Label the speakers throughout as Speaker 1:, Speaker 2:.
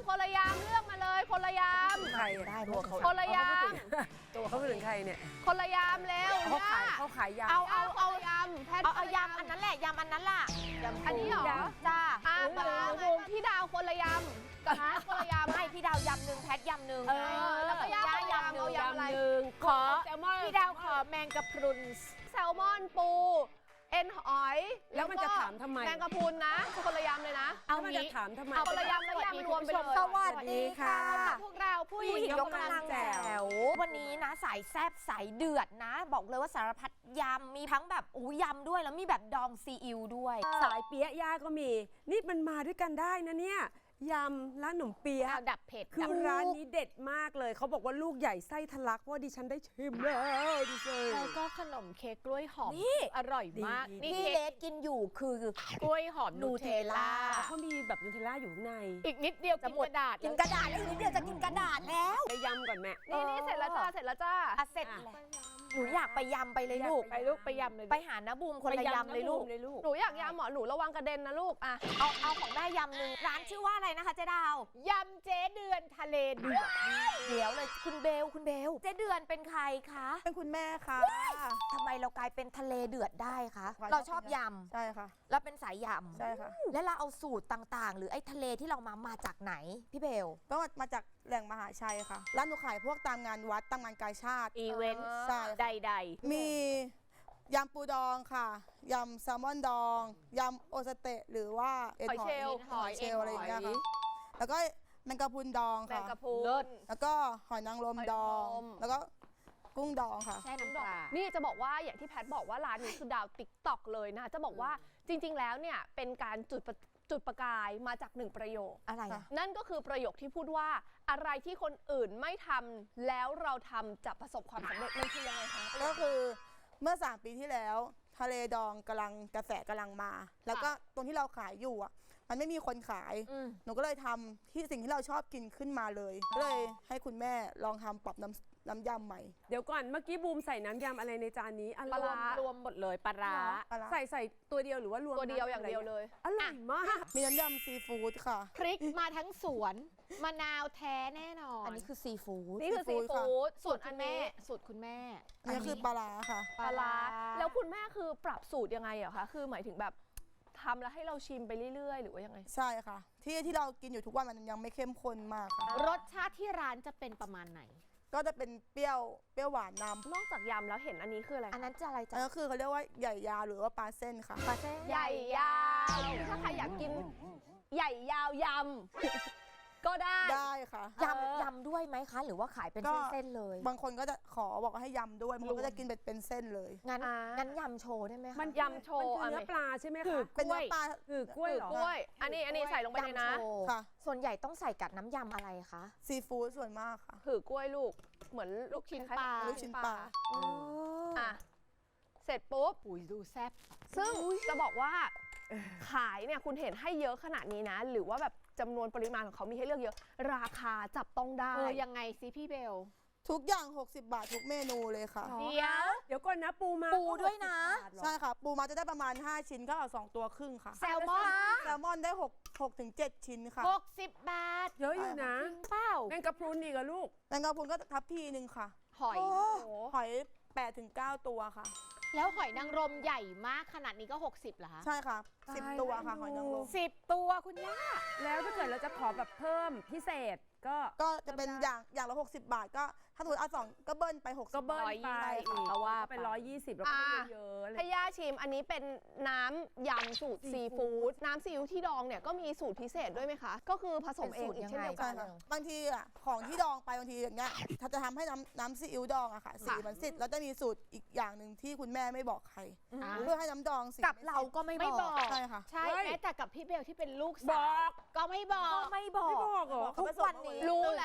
Speaker 1: คนละยามเลือกมาเลยคนละยาม
Speaker 2: ใครได้ตัวเขา
Speaker 1: คนละยาม
Speaker 2: ตัวเขาเป็นใครเนี่ย
Speaker 1: คนละยามเร็ว
Speaker 2: เขาขายยา
Speaker 1: เอายำแพทย์
Speaker 3: เอายำอันนั้นแหละยำอันนั้นล่ะ
Speaker 1: อันนี้เหรอ
Speaker 3: จ้า
Speaker 1: ปลาพี่ดาวคนละยำกับแพทย์คนละยำ
Speaker 3: ให้พี่ดาวยำหนึ่งแพทยำหนึ่ง
Speaker 1: แล้วก็ย่ายำเอายำอะไร
Speaker 3: ขอพี่ดาวขอแมงกะพรุน
Speaker 1: แซลมอนปูเอ็นหอย
Speaker 2: แล้วมันจะถามทำไม
Speaker 1: แมงกะพรุนนะคนละยำเลยนะ
Speaker 2: เอามันจะถามทำไม
Speaker 1: เอาคนละยำแล้วยำรวมไปเลย
Speaker 3: สวัสดีค่ะ
Speaker 1: พวกเราผู้ห
Speaker 3: ผู้
Speaker 1: ญิ
Speaker 3: หญิง
Speaker 1: ง
Speaker 3: ยกกำลังแจ๋ววันนี้นะสายแซบสายเดือดนะ บอกเลยว่าสารพัดยำมีทั้งแบบยำด้วยแล้วมีแบบดองซีอิ๊วด้วย
Speaker 2: สายเปี๊ยะย่าก็มี นี่มันมาด้วยกันได้นะเนี่ยยำร้านขนมเปี๊ยะ
Speaker 1: ดับเผ็ด
Speaker 2: คือร้านนี้เด็ดมากเลยเขาบอกว่าลูกใหญ่ไส้ทะลักเพราะว่าดิฉันได้ชิมแล้วดิฉัน
Speaker 1: แล้วก็ขนมเค้กกล้วยหอม
Speaker 3: นี่
Speaker 1: อร่อยมาก
Speaker 2: ดี
Speaker 3: นี่เลสกินอยู่คือก
Speaker 1: ล้วยหอมนูเทลล่า
Speaker 2: เขามีแบบนูเทลล่าอยู่ข้างใน
Speaker 1: อีกนิดเดียว
Speaker 3: จะ
Speaker 1: กิน
Speaker 3: หมด
Speaker 1: กระดาษ
Speaker 3: กินกระดาษแล้วอีกนิดเดียวจะกินกระดาษแล้ว
Speaker 2: ไปยำก่อนแม่
Speaker 1: นี่เสร็จแล้วจ้าเสร็จแล้วจ้า
Speaker 3: เสร็จแล้วหนูอยากไปยำไปเลยลูก
Speaker 1: ไปลูกไปยำเลย
Speaker 3: ไปหาน้าบูมคนละยำเลยลูก
Speaker 1: หนูอยากยำหมอหนูระวังกระเด็นนะลูกอ่ะ
Speaker 3: เอาของแม่ยำหนึ่งร้านชื่อว่าอะไรนะคะเจ๊ดาวย
Speaker 1: ำเจ๊เดือนทะเลเดือด
Speaker 3: เดี๋ยวเลยคุณเบลเจ๊เดือนเป็นใครคะ
Speaker 4: เป็นคุณแม่ค่ะ
Speaker 3: ทำไมเรากลายเป็นทะเลเดือดได้คะ
Speaker 4: ค่ะ
Speaker 3: เราชอบย
Speaker 4: ใช่ค่ะ
Speaker 3: ำแล้วเป็นสายยำ
Speaker 4: ใช่ค่ะ
Speaker 3: แล้วเราเอาสูตรต่างๆ หรือไอ้ทะเลที่เรามาจากไหนพี่เบล
Speaker 4: ก็มาจากแหล่งมหาชัยค่ะ ร้านหนูขายพวกตามงานวัดตามงานกาชาติ
Speaker 1: อีเวนต์
Speaker 4: ใช่
Speaker 1: ใด
Speaker 4: มียำปูดองค่ะ ยำแซลมอนดอง ยำโอสเตะหรือว่าเอ็น
Speaker 1: หอยเชลล์
Speaker 4: หอยเชลล์อะไรอย่างเงี้ยค่ะ แล้วก็แมงกะพรุนดอง
Speaker 1: ๆแมง
Speaker 4: ค่ะ
Speaker 1: กะพรุน
Speaker 4: แล้วก็หอยนางรมดอง
Speaker 1: หอยนางรม
Speaker 4: แล้วก็กุ้งดองค่ะ
Speaker 3: แช่น้ำปลา
Speaker 1: นี่จะบอกว่าอย่างที่แพทบอกว่าร้านนี้คือดาวติ๊กต็อกเลยนะคะจะบอกว่าจริง ๆ แล้วเนี่ยเป็นการจุดประกายมาจากหนึ่งประโยค
Speaker 3: อะไร
Speaker 4: ค่ะ
Speaker 3: อะ
Speaker 1: นั่นก็คือประโยคที่พูดว่าอะไรที่คนอื่นไม่ทำแล้วเราทำจะประสบความสำเร็จมันคือยังไงคะ
Speaker 4: ก็คือเมื่อ 3 ปีที่แล้ว ทะเลดองกำลังกระแสกำลังมา แล้วก็ตรงที่เราขายอยู่อ่ะ มันไม่มีคนขาย หนูก็เลยทำที่สิ่งที่เราชอบกินขึ้นมาเลย ก็เลยให้คุณแม่ลองทำปรับน้ำยำใหม่
Speaker 2: เดี๋ยวก่อนเมื่อกี้บูมใส่น้ำยำอะไรในจานนี้อะไร
Speaker 1: ปลาร้ารวมหมดเลยปลาร้า
Speaker 4: ปลาร้า
Speaker 2: ใส่ตัวเดียวหรือว่ารวม
Speaker 1: ตัวเดียวอย่างเดียวเลย
Speaker 2: อร่อยมาก
Speaker 4: มีน้ำยำซีฟู้ดค่ะ
Speaker 5: พริกมาทั้งสวนมะนาวแท้แน่นอน
Speaker 3: อันนี้คือซีฟู้ด
Speaker 1: นี่คือซี
Speaker 4: ซีฟู้ดค่ะ
Speaker 1: ฟู้ด
Speaker 5: สู
Speaker 1: ส่ว
Speaker 5: ต
Speaker 1: น
Speaker 5: ร
Speaker 1: อั
Speaker 5: คุ
Speaker 1: น
Speaker 5: ณแม่
Speaker 1: นี้
Speaker 5: สูตรคุณแม่
Speaker 4: นี่คือปลาร้าค่ะ
Speaker 1: ปลาร้าแล้วคุณแม่คือปรับสูตรยังไงอะคะคือหมายถึงแบบทำแล้วให้เราชิมไปเรื่อยๆ หรือว่ายังไง
Speaker 4: ใช่ค่ะ ที่เรากินอยู่ทุกวันมันยังไม่เข้มข้นมากค่ะ
Speaker 5: รสชาติที่ร้านจะเป็นประมาณไหน
Speaker 4: ก็จะเป็นเปรี้ยวหวานนำ
Speaker 1: นอกจากยำแล้วเห็นอันนี้คืออะไรคะ
Speaker 3: อันนั้นจะอะไร
Speaker 4: อั
Speaker 3: จ๊ะ
Speaker 4: นนั้นคือเขาเรียกว่าใหญ่ยาวหรือว่าปลาเส้นค่ะ
Speaker 3: ปลาเส้น
Speaker 1: ใหญ่ยาวถ้าใครอยากกินใหญ่ยาวยำก็ได้
Speaker 4: ได้ค่ะ
Speaker 3: ยำด้วยไหมคะ หรือว่าขายเป็น
Speaker 4: ก็
Speaker 3: เส้นๆเลย
Speaker 4: บางคนก็จะขอบอกว่าให้ยำด้วยบางคนก็จะกินเป็นเส้นเลย
Speaker 3: งั้น
Speaker 1: อ่างั้
Speaker 3: งั้นยำโชว์ได้ไหมคะ
Speaker 1: มันยำโชว์
Speaker 2: มันคือเนื้อปลาใช่ไหมคะ
Speaker 4: เป็นเนื้อปลา
Speaker 2: คือกล้วยเหรอ
Speaker 1: กล้วย อันนี้ใส่ลงไปเลยนะ
Speaker 3: ยำโชว์
Speaker 4: ค่ะ
Speaker 3: ส่วนใหญ่ต้องใส่กับน้ำยำอะไรคะ
Speaker 4: ซีฟู้ดส่วนมากค่ะ
Speaker 1: หือกล้วยลูก เหมือนลูกชิ้น
Speaker 5: ปลา
Speaker 4: ลูกชิ้นปลา
Speaker 1: อ่ะ เสร็จปุ๊บ
Speaker 5: ปุ๋ยดูแซ่บ
Speaker 1: ซึ่งจะบอกว่าขายเนี่ยคุณเห็นให้เยอะขนาดนี้นะ หรือว่าแบบจำนวนปริมาณของเขามีให้เลือกเยอะ ราคาจับต้องได้
Speaker 5: ยังไงซิพี่เบล
Speaker 4: ทุกอย่าง 60 บาททุกเมนูเลยค่ะ
Speaker 5: เดี๋ยว
Speaker 2: เดี๋ยวก่อนนะปูมา
Speaker 3: ปูด้วยนะ
Speaker 4: ใช่ค่ะ ปูมาจะได้ประมาณ 5 ชิ้นก็เอา2 ตัวครึ่งค่ะ
Speaker 5: แซลมอน
Speaker 4: แซลมอนได้6 ถึง 7 ชิ้นค่ะ
Speaker 5: 60 บาท
Speaker 2: เยอะอยู่นะ
Speaker 5: จริงเปล่า
Speaker 2: แมงกะพรุนอีกอะลูก
Speaker 4: แมงกะพรุนก็ทับพีนึงค่ะ
Speaker 5: หอย
Speaker 4: หอย8 ถึง 9 ตัวค่ะ
Speaker 5: แล้วหอยนางรมใหญ่มากขนาดนี้ก็ 60เหรอคะ
Speaker 4: ใช่ค่ะ
Speaker 2: ตาย
Speaker 4: 10 ตัวค่ะ หอยนางรม
Speaker 5: 10 ตัวคุณย่า
Speaker 2: แล้วถ้าเกิดเราจะขอแบบเพิ่มพิเศษก็
Speaker 4: ก็จะเป็นอย่างละ 60 บาทก็ถ้าสมมติเอา2ก็เบิ้ลไป 60
Speaker 2: ก็เบิ้ลไป
Speaker 1: 120
Speaker 2: อีก
Speaker 1: เพราะว่า
Speaker 2: ก็เป็น120แล้วก็ไม่ได้เยอะอะไร
Speaker 1: ให้ย่าชิมอันนี้เป็นน้ำยำสูตรซีฟู้ดน้ำซีอิ๊วที่ดองเนี่ยก็มีสูตรพิเศษด้วยไหมคะ ก็คือผสมเองอีกเช่นเดียวกั
Speaker 4: ใช่
Speaker 1: น
Speaker 4: ค่ะบางทีอ่ะของที่ดองไปบางทีอย่างเงี้ยถ้าจะทำให้น้ำซีอิ๊วดองอะค่ะสีมันสิทธิ์แล้วจะมีสูตรอีกอย่างหนึ่งที่คุณแม่ไม่บอกใครเพื่อให้น้ำดองสี
Speaker 3: กับเราก็ไม่
Speaker 5: ไม่
Speaker 3: บบ อ
Speaker 5: อก ก
Speaker 4: ใช่ค่ะ
Speaker 5: ใช่
Speaker 2: เฮ้ย
Speaker 5: แม้แต่กับพี่เบลที่เป็นลูก
Speaker 2: บ
Speaker 5: สา
Speaker 2: อ
Speaker 5: ว
Speaker 2: ก
Speaker 5: ก็ไม่บอก
Speaker 3: ก็ไม่บอก
Speaker 2: ไม่บอกเหรอ
Speaker 3: ทุกวันนี้
Speaker 1: รู้แล้ว
Speaker 5: ตี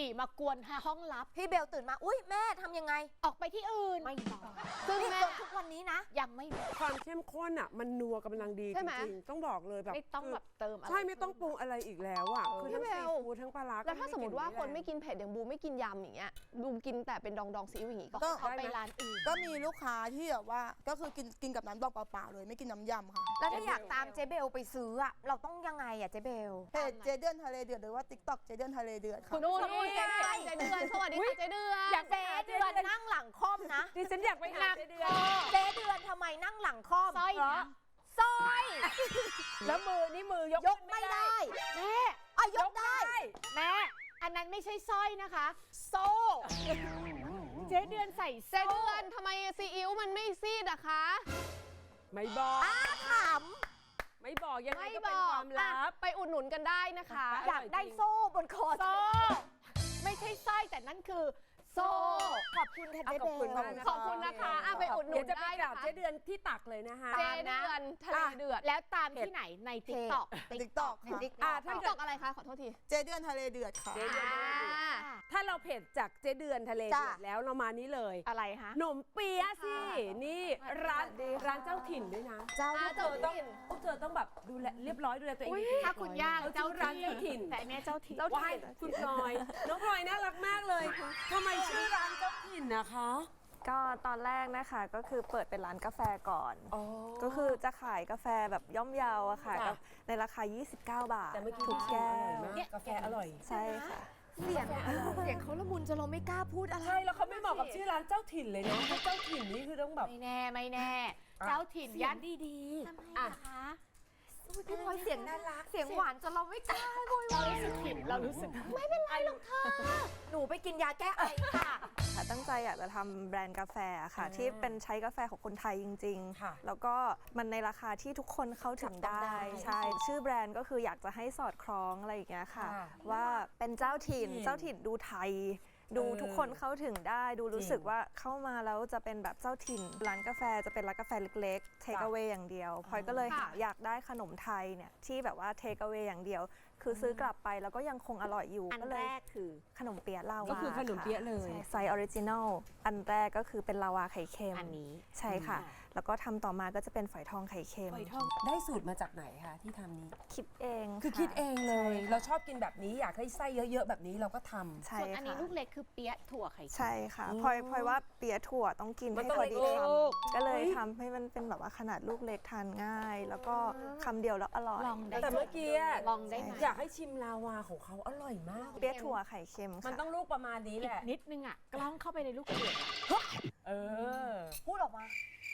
Speaker 5: มากวนห้องลับ
Speaker 3: พี่เบลตื่นมาอุ้ยแม่ทำยังไง
Speaker 5: ออกไปที่อื่น
Speaker 3: ไม่บอก
Speaker 5: ซึ่ง
Speaker 3: นี่
Speaker 5: แม่
Speaker 3: จนทุกวันนี้นะ
Speaker 5: ยังไม่บอก
Speaker 2: ความเข้มข้นอ่ะมันนัวกำลังดี
Speaker 1: ใช่
Speaker 2: จ
Speaker 1: ไหม
Speaker 2: ริงๆต้องบอกเลยแบบ
Speaker 5: ไม่ต้องแบบเติมอะไร
Speaker 2: ใช่ไม่ต้องปรุงอะไรอีกแล้วอ่ะคือทั้ง
Speaker 1: พี่
Speaker 2: ซี
Speaker 1: เบล
Speaker 2: ฟู้ดทั้งปลาร้า
Speaker 1: แล้วถ้าสมมติว่าคนไม่
Speaker 2: กิน
Speaker 1: กินเผ็ดอย่างบูมไม่กินยำอย่างเงี้ยบูมกินแต่เป็นดองซีอิ๊วอย่างงี้ก็
Speaker 4: ก็
Speaker 5: เขาไปร้านอื่น
Speaker 4: ก็มีลูกค้าที่แบบว่าก็คือกินกับน้ำดองเปล่าๆเลยไม่กินน้ำยำค่ะ
Speaker 3: แล้วถ้าอยากตามเจ๊เบลไปซื้ออะเราต้องยังไงอะเจ๊เบล
Speaker 4: เพจเจเดือนทะเลเดือดหรือว่า TikTok เจเดือนทะเลเดือดค่ะ
Speaker 1: นู่นเจ๊เดือนเจ๊เดือนสวัสดีค่ะเจ๊เดือน
Speaker 3: อยากเจ๊เดือนนั่งหลังค่อมนะ
Speaker 2: ดิฉันอยากไปหาเจ๊เดือน
Speaker 3: เจ๊เดือนทำไมนั่งหลังค่อม
Speaker 5: สร้อยนะ
Speaker 3: สร้อย
Speaker 2: แล้วมือนี่มือยก
Speaker 3: ยกไม่ได้
Speaker 5: แม่
Speaker 3: อ่ะยกได้
Speaker 5: แม่ อันนั้นไม่ใช่สร้อยนะคะ โซ่ เจ๊เดือนใส่
Speaker 1: เจ๊
Speaker 5: โซ่
Speaker 1: เดือนทำไมซีอิ๊วมันไม่ซีดอะคะ
Speaker 2: ไม่บอก
Speaker 3: ถาม
Speaker 2: ไม่บอกยังไง
Speaker 1: ไม่
Speaker 2: ก็
Speaker 1: บ
Speaker 2: เป็น
Speaker 1: อ
Speaker 2: ค
Speaker 1: ก
Speaker 2: วามลับ
Speaker 1: อ่ะไปอุดหนุนกันได้นะคะ
Speaker 3: อยากได้โซ่บนคอ
Speaker 5: โซ่ ไม่ใช่สร้อยแต่นั่นคือ โซ่
Speaker 3: ขอบคุณค่ะเจ๊
Speaker 2: ขอบคุณ
Speaker 3: เบล
Speaker 2: มากนะ
Speaker 1: ขอบคุณนะคะอ่ะไปอุดหนุ
Speaker 2: เดี๋ยวน จะไป
Speaker 1: ได้
Speaker 2: กรา
Speaker 1: นะ
Speaker 2: บ
Speaker 1: คะ
Speaker 2: เจ๊เดือนที่ตักเลยนะคะ
Speaker 1: เจ๊เดือนทะเลเดือด
Speaker 5: แล้วตามที่ไหนใน TikTok
Speaker 4: TikTok ค่ะ
Speaker 2: ถ้า
Speaker 1: ต
Speaker 2: เกิ
Speaker 1: อ
Speaker 2: ด
Speaker 1: กอะไรคะขอโทษที
Speaker 4: เจเดือนทะเลเดือดค่ะ
Speaker 2: เจ๊เดือนทะเลเดือด ถ้าเราเผ็ดจากเจ๊เดือนทะเลเดือดแล้วเรามานี้เลย
Speaker 5: อะไรคะ
Speaker 2: หนมเปี๊ยะสินี่ร้านเจ้าถิ่นด้วยนะ
Speaker 3: เจ้า
Speaker 1: เจ้า
Speaker 2: ต้อง
Speaker 1: ถิ่น
Speaker 2: พวกเธอต้องแบบดูแลเรียบร้อยดูแลตัวเอง
Speaker 1: อุ๊ย
Speaker 2: ดีๆ
Speaker 5: ถ้าคุณย่า
Speaker 2: เจ้าร้านเจ้าถิ่น
Speaker 5: แต่อันเนี้ยเจ้าถิ่น
Speaker 2: ว้ายคุณพลอยน้องพลอยน่ารักมากเลยทำไมชื่อร้านเจ้าถิ่นนะคะ
Speaker 6: ก็ตอนแรกนะคะก็คือเปิดเป็นร้านกาแฟก่อน ก็คือจะขายกาแฟแบบย่อมเยาวอะค่ะ
Speaker 2: จ้ะ
Speaker 6: ในราคา 29 บาท
Speaker 2: แต่เมื่อกี้
Speaker 6: ทุกแก้ว
Speaker 2: อร่อยมากกาแฟอร่อย
Speaker 6: ใช่ค่ะ
Speaker 3: เสียงเขาละมุนจนเราไม่กล้าพูดอะไร
Speaker 2: ใช่แล้วเขาไม่เหมาะกับชื่อร้านเจ้าถิ่นเลยนะเจ้าถิ่นนี่คือต้องแบบ
Speaker 5: ไม่แน่ไม่แน่ เจ้าถิ่นย่านดี
Speaker 3: ทำไม
Speaker 2: อ่ะ
Speaker 3: นะคะ พี่พลอยเสียงน่ารัก เสียงหวานจนเราไม่กล้าโวยวาย
Speaker 5: เรารู้สึกผิดเรารู้สึก
Speaker 3: ไม่เป็นไรหรอกค่ะ หนูไปกินยาแก้ไอค่ะ
Speaker 6: ค่ะตั้งใจอยากจะทำแบรนด์กาแฟค่ะ ที่เป็นใช้กาแฟของคนไทยจริง
Speaker 2: ค่ะ
Speaker 6: ๆ แล้วก็มันในราคาที่ทุกคนเข้าถึงได้ ใช่ ชื่อแบรนด์ก็คืออยากจะให้สอดคล้องอะไรอย่างเงี้ยค่ะ ว่าเป็นเจ้าถิ่นดูไทย ดูทุกคนเข้าถึงได้ ดูรู้สึกว่าเข้ามาแล้วจะเป็นแบบเจ้าถิ่น ร้านกาแฟจะเป็นร้านกาแฟเล็กๆ เทคเอา a y อย่างเดียวพลอยก็เลยหาอยากได้ขนมไทยเนี่ยที่แบบว่าเทคเอา a y อย่างเดียว คือซื้อกลับไปแล้วก็ยังคงอร่อยอยู่
Speaker 5: อัน
Speaker 6: ก็เล
Speaker 5: แร
Speaker 6: ย
Speaker 5: กคือ
Speaker 6: ขนมเปี๊ยะลาวา
Speaker 2: ก็คือขนมเปี๊ยะเลย
Speaker 6: ใช่ไซส์ออริจินอลอันแรกก็คือเป็นลาวาไข่เค็ม
Speaker 5: อันนี้
Speaker 6: ใช่ค่ะ แล้วก็ทำต่อมาก็จะเป็นฝอยทองไข่เค็ม
Speaker 5: ฝอยทอง
Speaker 2: ได้สูตรมาจากไหนคะที่ทำนี้
Speaker 6: คิดเอง
Speaker 2: คือคิดเองเลย เราชอบกินแบบนี้อยากให้ไส้เยอะๆแบบนี้เราก็ทำ
Speaker 6: ใช่
Speaker 5: ส่วนอันนี้
Speaker 6: ค่ะ
Speaker 5: ลูกเล็กคือเปี๊ยะถั่วไข่เค็ม
Speaker 6: ใช่ค่ะพลอยว่าเปี๊ยะถั่วต้องกิน
Speaker 2: มัน
Speaker 6: ให้
Speaker 2: ต้อง
Speaker 6: พอดี
Speaker 2: เล็ก
Speaker 6: ค
Speaker 2: ๆ
Speaker 6: ำก็เลยทำให้มันเป็นแบบว่าขนาดลูกเล็กทานง่าย แล้วก็คำเดียวแล้วอร่อย
Speaker 5: ลองได้
Speaker 2: แต่เมื่อกี้อะ
Speaker 5: ลองได้ไหม
Speaker 2: อยากให้ชิมลาวาของเขาอร่อยมาก
Speaker 6: เปี๊ยะถั่วไข่เค็ม
Speaker 2: มัน
Speaker 6: ค่ะ
Speaker 2: ต้องลูกประมาณนี้แหละ
Speaker 5: นิดนึงอ่ะ กล้องเข้าไปในลูกเกด
Speaker 2: เออ
Speaker 3: พูดออกมา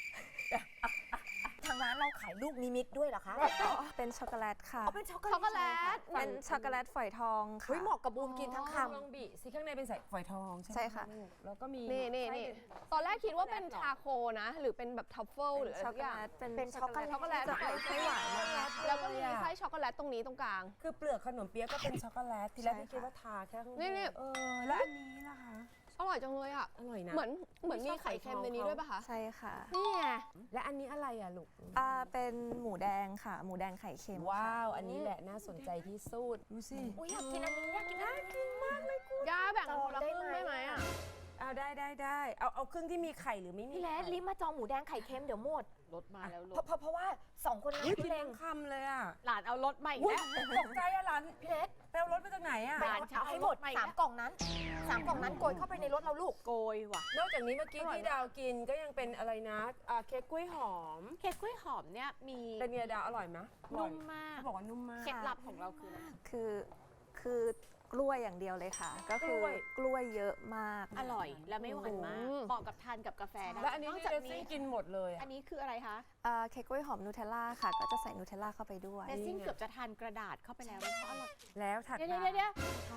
Speaker 3: ทางร้านเราขายลูกนิมิตด้วยเหรอคะ
Speaker 6: เป็นช็อกโกแลตค่ะ
Speaker 3: เอาเป็นช็อกโก
Speaker 1: ช็อกโกแล
Speaker 3: แลต
Speaker 1: ต
Speaker 6: เป็นช็อกโกแลตฝอยทองค่ะ
Speaker 3: เฮ้ยเหมาะกับบูมกินทั้งค
Speaker 2: ลองบีสิข้างในเป็นใส่ฝอยทองใช่ไหม
Speaker 6: ใช่ค่ะ
Speaker 2: ลูกแล้วก็มี
Speaker 1: นี่
Speaker 2: ไส้
Speaker 1: ตอนแรกคิดว่าเป็นชาโคนะ หรือเป็นแบบทัฟเฟิลหรืออะไร
Speaker 6: ช็อก
Speaker 1: สัก
Speaker 6: โก
Speaker 1: อย่าง
Speaker 6: แลตเป็น
Speaker 3: เป็นช็อกโกแลต
Speaker 1: ช็อกโกแลต
Speaker 6: จะใส่ไส้หวานมาก
Speaker 1: แล้วก็มีไส้ช็อกโกแลตตรงนี้ตรงกลาง
Speaker 2: คือเปลือกขนมเปี๊ยะก็เป็นช็อกโกแลตทีแรก
Speaker 6: ใช่
Speaker 2: พี่คิด
Speaker 6: ค่ะ
Speaker 2: ว่าทาแค่ข้างบ
Speaker 1: นี่
Speaker 2: นเออแล้วอันนี้ล่ะคะ
Speaker 1: อร่อยจังเลยอ่ะ
Speaker 2: อร่อยนะ
Speaker 1: เหมือนมีไข่เค็มในนี้ด้วยป่ะคะ
Speaker 6: ใช่ค่ะ
Speaker 1: นี่ไง
Speaker 2: และอันนี้อะไรอ่ะลูก
Speaker 6: เป็นหมูแดงค่ะ หมูแดงไข่เค็ม
Speaker 2: ว้าว อันนี้แหละน่าสนใจที่สุดดูสิ
Speaker 3: ำอุ้ยอยากกินอันนี้อยากกินอันนี้
Speaker 1: ย่าแบ่งกันคนละครึ่งได้ไหมอ่ะ
Speaker 2: เอาได้เอาครึ่งที่มีไข่หรือไม่มี
Speaker 3: พี่แล
Speaker 2: ไข่
Speaker 3: รีบมาจองหมูแดงไข่เค็มเดี๋ยวหมด
Speaker 5: รถมาแล้วรถ
Speaker 3: เพราะว่าสองคนนี้
Speaker 2: อุ๊ยกิ
Speaker 3: พี่
Speaker 2: น
Speaker 3: เล้ง
Speaker 2: ทั้งคำเลยอ่ะ
Speaker 5: หลานเอารถมาอีก
Speaker 2: อุ๊ย
Speaker 5: แล้ว
Speaker 2: ตกใจอะหลาน
Speaker 3: พี่เล็ก
Speaker 2: ไปเอารถมาจากไหนอ่ะ
Speaker 3: ไป
Speaker 5: หลาน
Speaker 3: เอาให้หมด
Speaker 5: เอารถมาอีก
Speaker 3: 3 กล่องนั้น3 กล่องนั้นโกยเข้าไปในรถเราลูก
Speaker 5: โกยว่ะ
Speaker 2: นอกจากนี้เมื่อกี้ที่ดาวกินก็ยังเป็นอะไรนะเค้กกล้วยหอม
Speaker 5: เค้กกล้วยหอมเนี่ยมี
Speaker 2: เป็นไงดาวอร่อยไหมอร่อ
Speaker 5: นุ่
Speaker 2: ย
Speaker 5: มมาก
Speaker 2: เขาบอกว่านุ่มมาก
Speaker 5: เคล็ดลับของเราคืออะไร
Speaker 6: คือกล้วยอย่างเดียวเลยค่ะ ก็คือกล้วยเยอะมาก
Speaker 5: อร่อยและไม่หวานมาก
Speaker 1: อืม
Speaker 5: เหมาะกับทานกับกาแฟได้
Speaker 2: แล้วอันนี้
Speaker 5: นอก
Speaker 2: ที่
Speaker 5: จาก
Speaker 2: เจส
Speaker 5: นี้
Speaker 2: ซี่กินหมดเลย
Speaker 5: อั
Speaker 2: อะ
Speaker 5: นนี้คืออะไรคะ
Speaker 6: เค้กกล้วยหอมนูเทลล่าค่ะ ก็จะใส่นูเทลล่าเข้าไปด้วย
Speaker 5: เดซซิ่งเกือบจะทานกระดาษเข้าไปแล้วเพราะอร่อย
Speaker 2: แล้วถัด
Speaker 5: เดี๋ยว
Speaker 2: มา
Speaker 5: เดี๋ยว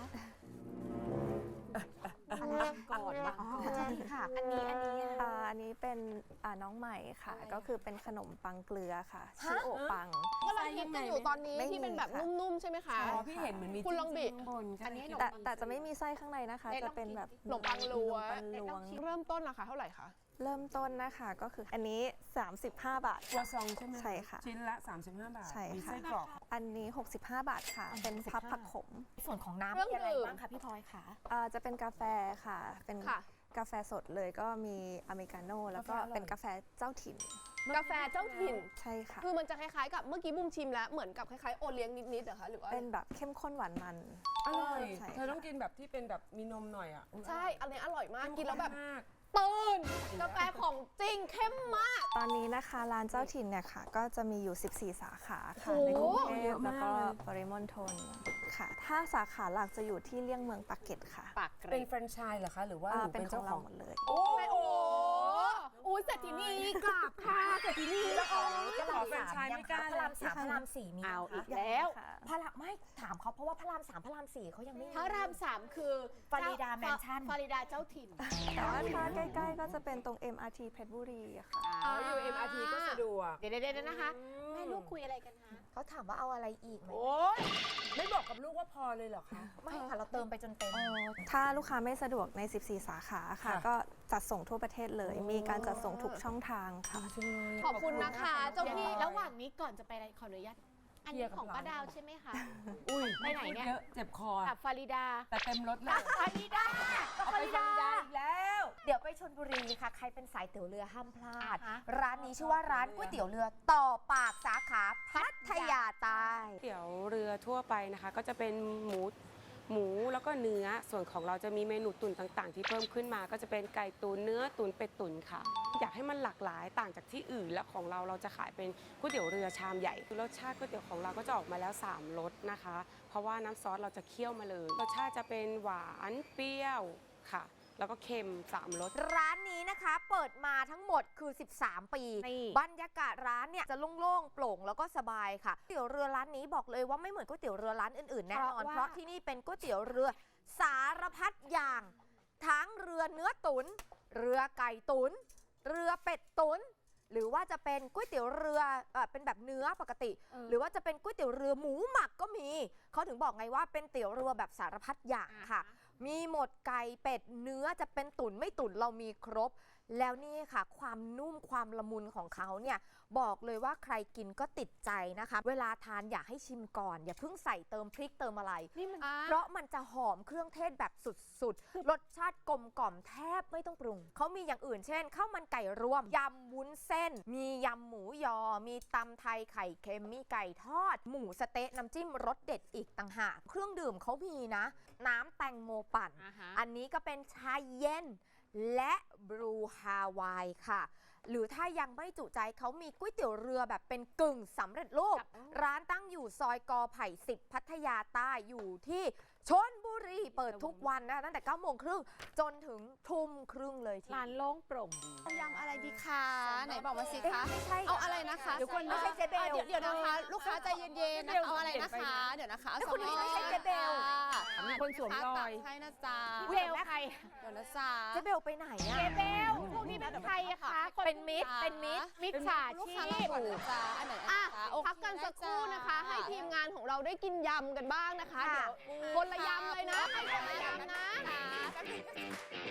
Speaker 5: ก่อนวะ
Speaker 3: ค่ะ
Speaker 5: อันนี้
Speaker 6: อันนี้เป็นน้องใหม่ค่ะ ก็คือเป็นขนมปังเกลือค่ะ ชื่อโอปัง
Speaker 1: ก็เราคิดกันอยู่ตอนนี้
Speaker 6: ไม่มี
Speaker 1: ที่เป็นแบบ
Speaker 6: ค่ะ
Speaker 1: นุ่มๆใช่ไหมคะ
Speaker 2: อ๋อพี่เห็นเหมือนมี
Speaker 1: คุณลองบิ
Speaker 2: จิ้มๆข้างบน
Speaker 5: อันนี้ขนม
Speaker 6: แต่จะไม่มีไส้ข้างในนะคะ จะเป็นแบบ
Speaker 1: ขนมปังลวง
Speaker 6: ขนมปังลวง
Speaker 1: เริ่มต้นราคาเท่าไหร่คะ
Speaker 6: เริ่มต้นนะคะก็คืออันนี้ 35 บาท
Speaker 2: ตัวซองใช่ไหม
Speaker 6: ใช่ค่ะ
Speaker 2: ชิ้นละ 35 บาท
Speaker 6: ใช่
Speaker 2: มี
Speaker 6: ค่ะ
Speaker 2: ไส้กรอก
Speaker 6: อันนี้ 65 บาทค่ะ เป็นพับผักขม
Speaker 3: ส่วนของน้ำ
Speaker 1: เครื่อง
Speaker 3: มีอะไร
Speaker 1: ดื่ม
Speaker 3: บ้างคะพี่พลอยคะ
Speaker 6: จะเป็นกาแฟค่ะ เป็น
Speaker 1: ค่ะ
Speaker 6: กาแฟสดเลยก็มีอเมริกาโน่แล้วก็เป็นกาแฟเจ้าถิ่น
Speaker 1: กาแฟเจ้าถิ่น
Speaker 6: ใช่ค่ะ
Speaker 1: คือมันจะคล้ายๆกับเมื่อกี้บุมชิมแล้วเหมือนกับคล้ายๆโอเลี้ยงนิดๆเหรอคะหรือว่า
Speaker 6: เป็นแบบเข้มข้นหวานมัน
Speaker 2: อร่อย
Speaker 6: ใช่
Speaker 2: เธอต้องกินแบบที่เป็นแบบมีนมหน่อยอ่ะ
Speaker 1: ใช่อันนี้อร่อยมากกินแล้วแบบ
Speaker 2: มาก
Speaker 1: ตื่นกาแฟของจริงเข้มมาก
Speaker 6: ตอนนี้นะคะร้านเจ้าถิ่นเนี่ยค่ะ ก็จะมีอยู่ 14 สาขาค่ะ
Speaker 1: โอ้
Speaker 6: ในกรุงเท
Speaker 2: เย
Speaker 6: พ
Speaker 2: อะ
Speaker 6: แล้
Speaker 2: มาว ก
Speaker 6: ก็
Speaker 2: เลย
Speaker 6: ปริมณฑลค่ะ ถ้าสาขาหลักจะอยู่ที่เลี่ยงเมืองปากเกร็ดค่ะ
Speaker 5: ปากเก
Speaker 2: เป็
Speaker 5: ร็
Speaker 2: น
Speaker 5: ด
Speaker 2: แฟรนไชส์เหรอคะ หรือว่าหนู
Speaker 6: เป็
Speaker 2: เป็น น
Speaker 6: ขอ
Speaker 2: เจ้าง ข
Speaker 6: เรา
Speaker 2: อง
Speaker 6: หมดเลย
Speaker 1: โอ้ยเศรษฐีนีกราบค่ะเศรษฐีนี
Speaker 2: เจ้าของแฟรนไชส์ไม่กล้า
Speaker 3: พระราม
Speaker 2: เลย
Speaker 3: สามพระรามสี่มี
Speaker 5: เอาอีก
Speaker 3: ไหมคะ
Speaker 5: แล้ว
Speaker 6: ค่ะ
Speaker 3: พระรามไม่ถามเขาเพราะว่าพระรามสามพระรามสี่เขายังไม่มี
Speaker 5: พระราม3คือ
Speaker 3: ฟาริดาแมนชั่น
Speaker 5: ฟาริดาเจ้าถิ่น
Speaker 6: แต่ว่าถ้าใกล้ๆก็จะเป็นตรง MRT เพชรบุรีอะค่ะ
Speaker 2: อ๋ออยู่ MRT ก็สะดวก
Speaker 5: เดี๋ยวนะคะ แม่ลูกคุยอะไรกันคะ
Speaker 3: เขาถามว่าเอาอะไรอีกไหม
Speaker 2: โอ๊ยไม่บอกกับลูกว่าพอเลยเหรอคะ
Speaker 3: ไม่ค่ะเราเติมไปจนเต็ม
Speaker 6: ถ้าลูกค้าไม่สะดวกใน 14 สาขาค่ะ
Speaker 2: ค่ะ
Speaker 6: ก็จัดส่งทั่วประเทศเลย มีการจัดส่งทุกช่องทางค่ะ
Speaker 1: ขอบคุณนะคะเจ้าพี่
Speaker 5: ระหว่างนี้ก่อนจะไปอะไรขออนุญาตอันนี้ของป้าดาวใช่ไหมคะ
Speaker 2: อุ้ย
Speaker 5: ไปไหนเนี่ย
Speaker 2: เยอะเจ็บคอ
Speaker 5: กับฟาริดา
Speaker 2: แต่เต็มรถเลย
Speaker 5: ฟาริดา
Speaker 2: เอาไปฟาริดาอีกแล้ว
Speaker 3: เดี๋ยวไปชลบุรีค่ะ ใครเป็นสายเตี๋ยวเรือห้ามพลาด
Speaker 5: อ่าฮะ
Speaker 3: ร้านนี้ชื่อว่าร้านก๋วยเตี๋ยวเรือต่อปากสาขาพัทยาใต้
Speaker 7: เตี๋ยวเรือทั่วไปนะคะ ก็จะเป็นหมูแล้วก็เนื้อส่วนของเราจะมีเมนูตุ๋นต่างๆ ที่เพิ่มขึ้นมา ก็จะเป็นไก่ตุ๋นเนื้อตุ๋นเป็ดตุ๋นค่ะ อยากให้มันหลากหลายต่างจากที่อื่น และของเราจะขายเป็นก๋วยเตี๋ยวเรือชามใหญ่รสชาติก๋วยเตี๋ยวของเราก็จะออกมาแล้ว3รสนะคะ เพราะว่าน้ำซอสเราจะเคี่ยวมาเลยรสชาติจะเป็นหวานเปรี้ยวค่ะ แล้วก็เค็ม3รส
Speaker 3: ร้านนี้นะคะเปิดมาทั้งหมดคือ 13 ปี
Speaker 5: นี่
Speaker 3: บรรยากาศร้านเนี่ยจะโล่งๆโปร่งแล้วก็สบายค่ะก๋วยเตี๋ยวเรือร้านนี้บอกเลยว่าไม่เหมือนก๋วยเตี๋ยวเรือร้านอื่นๆแน่นอน เพราะที่นี่เป็นก๋วยเตี๋ยวเรือสารพัดอย่าง ทั้งเรือเนื้อตุ๋นเรือไก่ตุ๋นเรือเป็ดตุ๋นหรือว่าจะเป็นก๋วยเตี๋ยวเรือเป็นแบบเนื้อปกติ หรือว่าจะเป็นก๋วยเตี๋ยวเรือหมูหมักก็มีเขาถึงบอกไงว่าเป็นเตี๋ยวเรือแบบสารพัดอย่างค่ะ มีหมดไก่เป็ดเนื้อจะเป็นตุ๋นไม่ตุ๋นเรามีครบ แล้วนี่ค่ะ ความนุ่มความละมุนของเขาเนี่ยบอกเลยว่าใครกินก็ติดใจนะคะ เวลาทานอยากให้ชิมก่อน อย่าเพิ่งใส่เติมพริกเติมอะไร
Speaker 5: นี่มัน
Speaker 3: เพราะมันจะหอมเครื่องเทศแบบสุดๆ รสชาติกลมกล่อมแทบไม่ต้องปรุง เขามีอย่างอื่นเช่นข้าวมันไก่รวม ยำวุ้นเส้น มียำหมูยอ มีตำไทยไข่เค็ม มีไก่ทอด หมูสะเต๊ะน้ำจิ้มรสเด็ดอีกต่างหาก เครื่องดื่มเขามีนะ น้ำแตงโมปั่น อันนี้ก็เป็นชาเย็นและบรูฮาวายค่ะ หรือถ้ายังไม่จุใจเขามีก๋วยเตี๋ยวเรือแบบเป็นกึ่งสำเร็จรูป ร้านตั้งอยู่ซอยกอไผ่10 พัทยาใต้อยู่ที่ชลบุรีเปิดทุกวันนะตั้งแต่9 โมงครึ่งจนถึงทุ่มครึ่งเลยที
Speaker 5: ร้านโล่งโปร่งดี
Speaker 4: เอายำอะไรดีคะ ไหนบอกมาสิคะ
Speaker 3: ไม่ใช่
Speaker 4: เอาอะไรนะคะ
Speaker 3: เดี๋ยวก่อนไม่ใช่เจเบล
Speaker 4: เดี๋ยวนะคะ ลูกค้าใจเย็นๆนะคะเอาอะไรนะคะ เดี๋ยวนะคะ
Speaker 3: แล้วคุณนี่ไม่ใช่เจเบล
Speaker 2: มีคนสวมรอย
Speaker 4: ให้นะจ๊ะ
Speaker 5: เบลใคร
Speaker 4: เดี๋ยวนะจ๊ะ
Speaker 3: เจเบลไปไหนอะ
Speaker 5: เบลพวกนี้เป็นใครอะคะคน
Speaker 3: เป็นมิตรเป็นมิตร
Speaker 5: มิจฉา
Speaker 4: ลูก
Speaker 5: ชี
Speaker 4: ค้าเรา
Speaker 5: พ
Speaker 4: ก่อนนะจ๊ะอันไหน
Speaker 1: อ่ะ
Speaker 4: คะโอเค
Speaker 1: พักกันสักครู่นะคะ ให้ทีมงานของเราได้กินยำกันบ้างนะคะ
Speaker 3: ค่ะ
Speaker 1: เดี๋ยวคนละยำเลยนะให้คนละยำนะ